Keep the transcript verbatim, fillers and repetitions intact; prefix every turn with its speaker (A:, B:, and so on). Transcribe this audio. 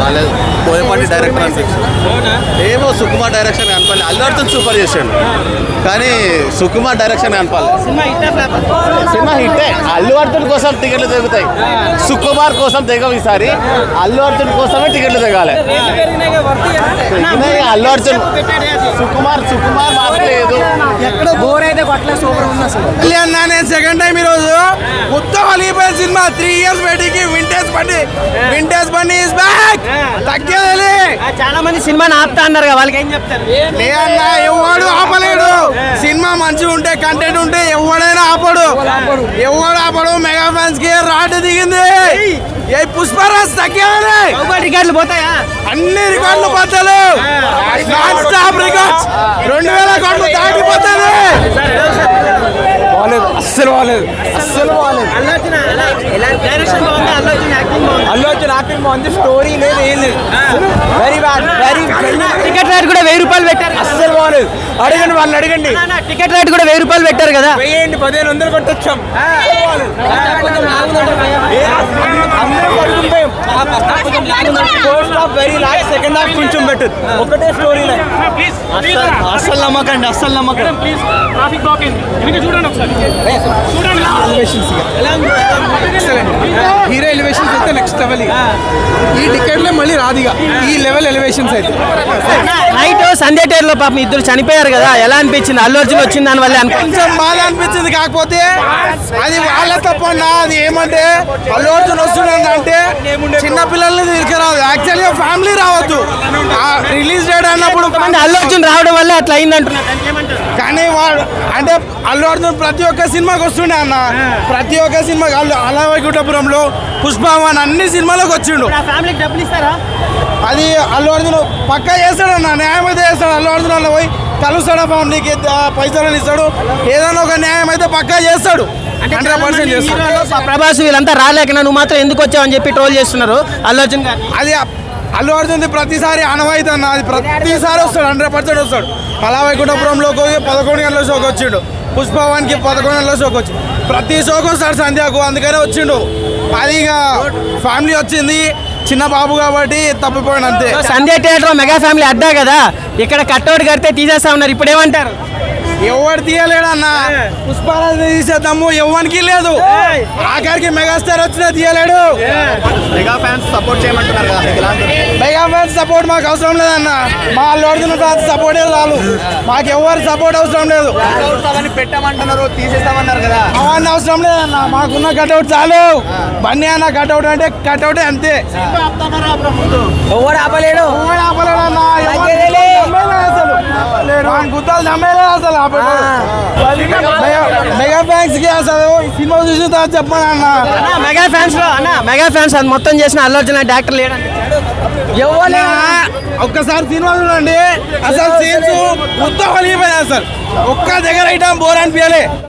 A: బాగాలేదు. పోయేపాటి డైరెక్టర్ అనిపించింది. ఏమో సుకుమార్ డైరెక్షన్ కనపాలి. అల్లు అర్జున్ సూపర్ చేశాడు కానీ సుకుమార్ డైరెక్షన్ కనపాలి. సినిమా హిట్టే. అల్లు అర్జున్ కోసం టికెట్లు తెగుతాయి, సుకుమార్ కోసం తెగవు. ఈసారి అల్లు అర్జున్ కోసమే టికెట్లు తెగాలి. అల్లు అర్జున్ సుకుమార్ సుకుమార్ మాట్లేదు.
B: ఎక్కడ బోర్ అయితే కొట్ల సూపర్ ఉంది అసలు.
C: నేను సెకండ్ టైం ఈరోజు మొత్తం అలిగిపోయిన సినిమా. త్రీ ఇయర్స్ బయటికి వింటేజ్ బండి వింటేజ్ బండి ఇస్ బ్యాక్. తగ్గేది.
B: చాలా మంది సినిమాని ఆపుతా అన్నారు కదా, వాళ్ళకి ఏం చెప్తారు?
C: లేదన్నా ఎవడు ఆపలేడు. సినిమా మంచిగా ఉంటే కంటెంట్ ఉంటే ఎవడైనా ఆపడు, ఎవడు ఆపడు. మెగా ఫ్యాన్స్ కి రాడ్ దిగింది. ఏ పుష్పరాజ్ తగ్గేది.
B: రికార్డులు పోతాయా?
C: అన్ని రికార్డులు పోతారు. నాన్ స్టాప్ రికార్డ్స్ రెండు వేల కోట్లు దాటిపోతారు. బాలేదు, అస్సలు బాలేదు, అస్సలు బాలేదు.
B: అల్లు అర్జున్ యాక్టింగ్ బాగుంది, స్టోరీ లేదు, ఏం లేదు. Very bad, very. Ticket rate కూడా వెయ్యి రూపాయలు పెట్టారు.
C: అస్సలు బాలేదు. అడగండి, వాళ్ళని అడగండి.
B: టికెట్ రేట్ కూడా వెయ్యి రూపాయలు పెట్టారు కదా.
C: వెయ్యండి, పదిహేను వందలు కొట్టొచ్చాం. First half very last, second half కొంచెం బెటర్. ఒకటే స్టోరీ లైన్. అస్సలు నమ్మకండి, అస్సలు నమ్మకండి. హీరో ఎలివేషన్స్ అయితే నెక్స్ట్ లెవెల్. ఈ టికెట్ లో మళ్ళీ రాదిగా ఈ లెవెల్ ఎలివేషన్స్ అయితే.
B: నైట్ సంధ్య థియేటర్ లో పాపం ఇద్దరు చనిపోయారు కదా, ఎలా అనిపించింది? అల్లు అర్జున్ వచ్చింది దాని వల్ల
C: కొంచెం బాధ అనిపించింది. కాకపోతే అది వాళ్ళ తప్పన్నా. అది ఏమంటే అల్లు అర్జున్ వస్తున్నాడు అంటే చిన్న పిల్లల్ని తీసుకురావద్దు. యాక్చువల్గా ఫ్యామిలీ రావద్దు. రిలీజ్ డేట్ అన్నప్పుడు
B: అల్లు అర్జున్ రావడం వల్ల అట్లా అయింది అంటున్నారు.
C: కానీ వాడు అంటే అల్లు అర్జున్ ప్రతి ఒక్క సినిమాకి వస్తుండే అన్న. ప్రతి ఒక్క సినిమాకి అల్లు అలా వైకుంఠపురంలో, పుష్పవన్ అన్ని సినిమాలకు వచ్చిండు. అది అల్లు అర్జున్ పక్కా చేస్తాడు అన్న. న్యాయం అయితే చేస్తాడు. అల్లు అర్జున్ అలా పోయి కలుస్తాడు, ఫ్యామిలీకి పైసలు ఇస్తాడు. ఏదైనా ఒక న్యాయం అయితే పక్కా చేస్తాడు. హండ్రెడ్ పర్సెంట్ చేస్తాడు.
B: ప్రభాస్ వీళ్ళంతా రాలేక నువ్వు మాత్రం ఎందుకు వచ్చావు అని చెప్పి ట్రోల్ చేస్తున్నారు అల్లు అర్జున్ గారు.
C: అది అల్లు అర్జున్ ప్రతిసారి అనవాయితీ అన్న. అది ప్రతిసారి వస్తాడు, హండ్రెడ్ పర్సెంట్ వస్తాడు. అలా వైకుంఠపురంలోకి పదకొండు గంటల షోకి వచ్చిండు. పుష్పవాన్కి పదకొండు గంటల షోకి వచ్చి ప్రతి షోకి వస్తాడు సంధ్యకు. అందుకనే వచ్చిండు. అది ఇక ఫ్యామిలీ వచ్చింది, చిన్న బాబు కాబట్టి తప్పిపోయాడు అంతే.
B: సంధ్య థియేటర్ మెగా ఫ్యామిలీ అడ్డా కదా, ఇక్కడ కట్అవుట్ కడితే తీసేస్తా ఉన్నారు. ఇప్పుడు ఏమంటారు?
C: ఎవరు తీయలేడు అన్న. పుష్పరాజ్ తీసేద్దాము, ఎవరికి లేదు. ఆఖరికి మెగాస్టార్ వచ్చినా తీయలేడు.
A: మెగా ఫ్యాన్స్ సపోర్ట్ చేయమంటున్నారు కదా,
C: మెగా ఫ్యాన్స్ సపోర్ట్ మాకు అవసరం లేదన్న. మా అల్లు అర్జున్ ఫ్యాన్స్ సపోర్ట్ చాలు. మాకు ఎవరు సపోర్ట్ అవసరం లేదు.
A: పెట్టమంటున్నారు, తీసేస్తామన్నారు కదా.
C: అవన్నీ అవసరం లేదన్న. మాకున్న కట్అవుట్ చాలు. బన్నీ అన్న కట్అవుట్ అంటే కట్అవుట్ అంతే.
B: ఎవరు ఆపలేడు,
C: ఎవరు ఆపలేడు అన్న. అసలు గుత్తాలు నమ్మేలేదు అసలు. మెగా ఫ్యాన్స్ కి అసలు సినిమా చూసిన తర్వాత చెప్పాను అన్న.
B: మెగా ఫ్యాన్స్ లో అన్న మెగా ఫ్యాన్స్ అది మొత్తం చేసిన అల్లు అర్జున్ అంటే యాక్టర్ లేడు.
C: ఒక్కసారి సినిమా చూడండి, అసలు సీన్స్ మొత్తం కలిగిపోయినాయి. అసలు ఒక్క దగ్గర ఐటమ్ బోర్ అనిపించాలి.